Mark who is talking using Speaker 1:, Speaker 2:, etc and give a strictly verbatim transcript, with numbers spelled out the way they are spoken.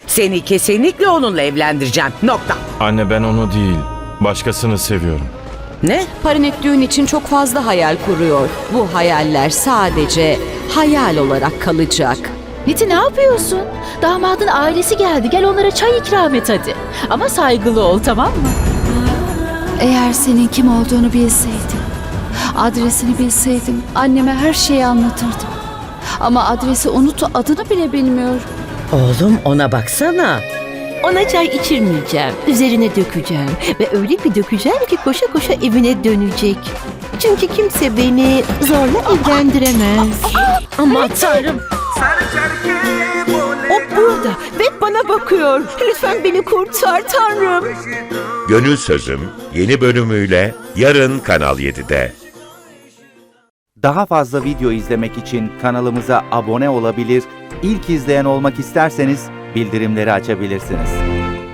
Speaker 1: Seni kesinlikle onunla evlendireceğim. Nokta.
Speaker 2: Anne ben onu değil, başkasını seviyorum.
Speaker 1: Ne?
Speaker 3: Parinet düğün için çok fazla hayal kuruyor. Bu hayaller sadece hayal olarak kalacak.
Speaker 4: Niti ne yapıyorsun? Damadın ailesi geldi. Gel onlara çay ikram et hadi. Ama saygılı ol, tamam mı?
Speaker 5: Eğer senin kim olduğunu bilseydim, adresini bilseydim anneme her şeyi anlatırdım. Ama adresi unut, adını bile bilmiyorum.
Speaker 1: Oğlum ona baksana.
Speaker 6: Ona çay içirmeyeceğim. Üzerine dökeceğim. Ve öyle bir dökeceğim ki koşa koşa evine dönecek. Çünkü kimse beni zorla evlendiremez.
Speaker 1: Aman tanrım.
Speaker 6: O burada ve bana bakıyor. Lütfen beni kurtar Tanrım.
Speaker 7: Gönül Sözüm yeni bölümüyle yarın Kanal yedide.
Speaker 8: Daha fazla video izlemek için kanalımıza abone olabilir, ilk izleyen olmak isterseniz bildirimleri açabilirsiniz.